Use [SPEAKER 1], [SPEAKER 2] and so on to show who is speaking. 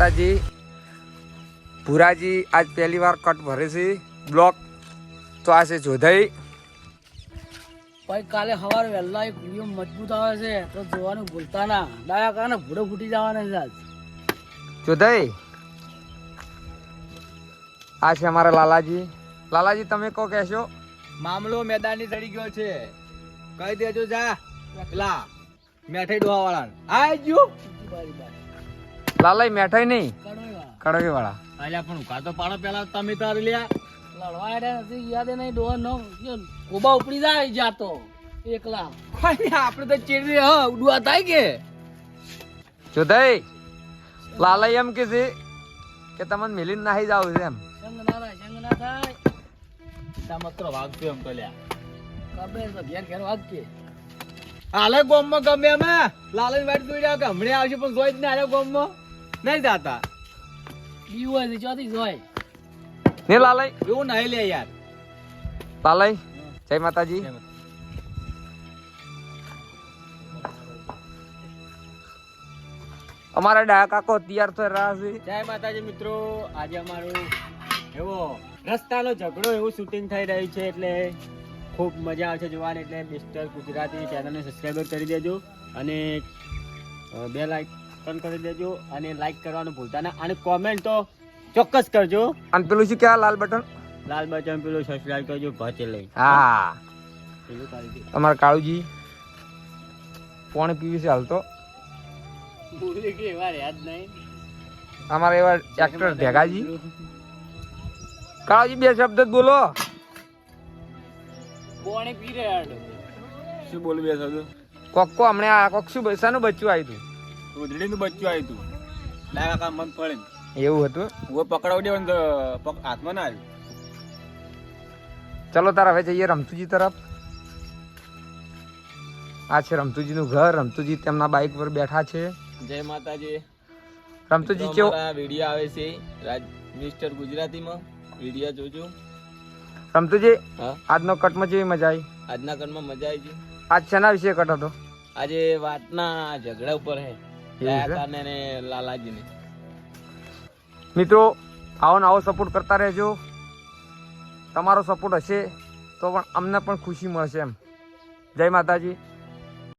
[SPEAKER 1] માતાજી. ભુરાજી આજ પહેલી વાર કટ ભરે છે બ્લોક. તો આ છે જોધાઈ.
[SPEAKER 2] ભાઈ કાલે સવારે વહેલા એક વિડીયો મજબૂત આવે છે તો જોવાનું ભૂલતા ના. ડાયા કારણે ભૂડો ફૂટી જવાના છે આજ.
[SPEAKER 1] જોધાઈ આ છે અમારા લાલાજી. લાલાજી તમે કહો કહેશો?
[SPEAKER 3] મામલો મેદાની ચડી ગયો છે, કહી દેજો. જા પેલા મેઠાઈ ડોહા વાળા આજો.
[SPEAKER 1] લાલાઈ મેઠાઈ નહીં,
[SPEAKER 2] કડવાઈવાળા.
[SPEAKER 1] કડવી વાળા.
[SPEAKER 3] અલ્યા પણ ઉકા તો પાડો પેલા તમે તાર લ્યા.
[SPEAKER 2] લડવા હેડ્યા નથી, યાદ નહીં ડોહા નો કોબા ઉપડી જાય જાતો એકલા.
[SPEAKER 3] કોઈ આપણે તો ચીડી હ ઉડવા થાય કે
[SPEAKER 1] જોધાઈ લાલાઈ એમ કે છે કે તમને મિલીને નાહી જાવ છે એમ.
[SPEAKER 2] સંગ ના થાય, સંગ ના થાય.
[SPEAKER 3] સમત્ર વાગતો એમ તો લ્યા.
[SPEAKER 2] કબે તો ઘેર ઘેર વાગ કે.
[SPEAKER 3] હાલે ગોમમાં ગમે અમે લાલન વાટ જોઈ રહ્યા કે હમણાં આવશે પણ જોઈ જ ને હાલે ગોમમાં નહીં જાતા.
[SPEAKER 2] બીવ હોય છે ચોથી જોય.
[SPEAKER 1] ને લાલાઈ
[SPEAKER 3] એવું નહીં લે યાર.
[SPEAKER 1] લાલાઈ જય માતાજી. અમારા ડાયા કાકો તૈયાર થઈ રહ્યા છે.
[SPEAKER 3] જય માતાજી મિત્રો. આજે અમારું એવો રસ્તાનો ઝઘડો એવું શૂટિંગ થઈ રહ્યું છે એટલે ખૂબ મજા આવશે જોવાની. એટલે મિસ્ટર ગુજરાતી ચેનલને સબસ્ક્રાઈબર કરી દેજો અને બે લાઈક પણ કરી દેજો અને લાઈક કરવાનું ભૂલતા ના અને કોમેન્ટ તો ચોક્કસ કરજો.
[SPEAKER 1] અને પેલું શું કહેવાય લાલ બટન?
[SPEAKER 3] લાલ બટન પેલું સબસ્ક્રાઈબ કરજો ભચે લઈ.
[SPEAKER 1] હા
[SPEAKER 3] પેલું કરી દે.
[SPEAKER 1] અમારા કાળુજી પાણી પીવી છે હાલ તો.
[SPEAKER 2] ભૂલી ગઈ વાર યાદ નહીં.
[SPEAKER 1] અમારા એવા એક્ટર ભેગાજી. કાળુજી બે શબ્દ જ બોલો.
[SPEAKER 2] કોણે પી રહ્યા
[SPEAKER 3] શું બોલું બે થતું?
[SPEAKER 1] કોકો હમણે આ કોક શું શાનું બચ્ચું આવ્યું હતું?
[SPEAKER 3] ઉધડીનું બચ્ચું આવ્યું હતું. લાગા કામ મગ પડે
[SPEAKER 1] એવું હતું.
[SPEAKER 3] હું પકડાવડે હાથમાં ના આવ્યું.
[SPEAKER 1] ચલો તાર હવે જઈએ રમતુજી તરફ. આ છે રમતુજીનું ઘર. રમતુજી તેમના બાઇક પર બેઠા છે.
[SPEAKER 3] જય માતાજી.
[SPEAKER 1] રમતુજી કેવો
[SPEAKER 3] વિડીયો આવે છે મિસ્ટર ગુજરાતીમાં વિડીયો જોજો.
[SPEAKER 1] રમતુજી
[SPEAKER 3] હા
[SPEAKER 1] આજનો કટમાં કેવી મજા આવી?
[SPEAKER 3] આજના કરમાં મજા આવી છે.
[SPEAKER 1] આજ શેના વિશે કટ હતો?
[SPEAKER 3] આજે વાતના ઝઘડા ઉપર હે દયાકાને ને લાલાજીને.
[SPEAKER 1] મિત્રો આવો ને આવો સપોર્ટ કરતા રહેજો. તમારો સપોર્ટ હશે તો પણ અમને પણ ખુશી મળશે એમ. જય માતાજી.